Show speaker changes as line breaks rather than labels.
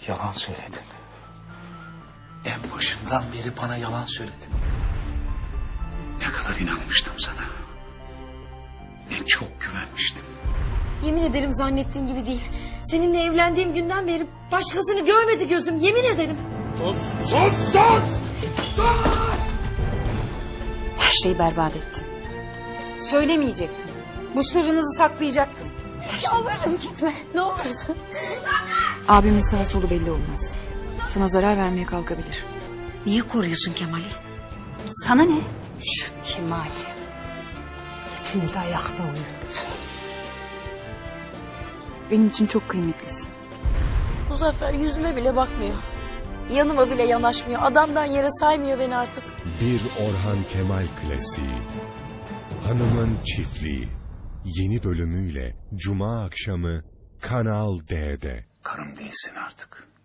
yalan söyledin. En başından beri bana yalan söyledin. Ne kadar inanmıştım sana. Ne çok güvenmiştim.
Yemin ederim zannettiğin gibi değil. Seninle evlendiğim günden beri başkasını görmedi gözüm. Yemin ederim.
Sus, sus, sus! Sus!
Her şeyi berbat ettin. Söylemeyecektin. Bu sırrınızı saklayacaktın.
Yalvarırım gitme. Ne olursun.
Abimin sağ solu belli olmaz. Sana zarar vermeye kalkabilir.
Niye koruyorsun Kemal'i?
Sana ne?
Şu Kemal. Hepimizi ayakta uyuttu.
Benim için çok kıymetlisin.
Muzaffer yüzüme bile bakmıyor. Yanıma bile yanaşmıyor. Adamdan yere saymıyor beni artık.
Bir Orhan Kemal klasiği. Hanımın Çiftliği. Yeni bölümüyle Cuma akşamı Kanal D'de.
Karım değilsin artık.